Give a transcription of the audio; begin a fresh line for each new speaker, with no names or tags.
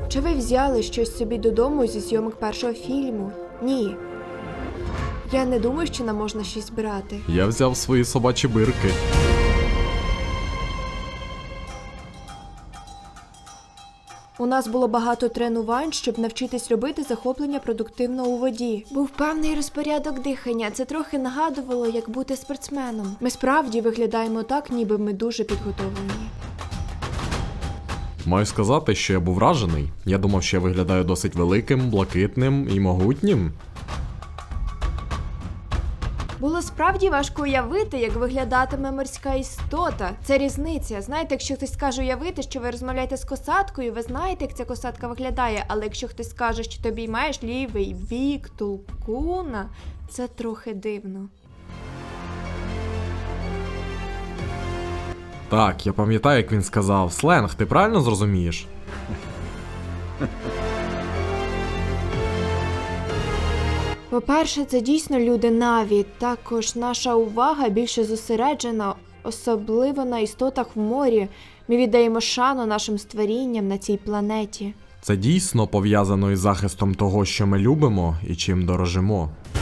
Чи ви взяли щось собі додому зі зйомок першого фільму? Ні. Я не думаю, що нам можна щось брати.
Я взяв свої собачі бирки.
У нас було багато тренувань, щоб навчитись робити захоплення продуктивно у воді. Був певний розпорядок дихання. Це трохи нагадувало, як бути спортсменом. Ми справді виглядаємо так, ніби ми дуже підготовлені.
Маю сказати, що я був вражений. Я думав, що я виглядаю досить великим, блакитним і могутнім.
Було справді важко уявити, як виглядатиме морська істота. Це різниця. Знаєте, якщо хтось скаже уявити, що ви розмовляєте з косаткою, ви знаєте, як ця косатка виглядає, але якщо хтось скаже, що ти обіймаєш лівий бік толкуна, це трохи дивно.
Так, я пам'ятаю, як він сказав. Сленг, ти правильно зрозумієш?
По-перше, це дійсно люди Наві. Також наша увага більше зосереджена, особливо на істотах в морі. Ми віддаємо шану нашим створінням на цій планеті.
Це дійсно пов'язано із захистом того, що ми любимо і чим дорожимо.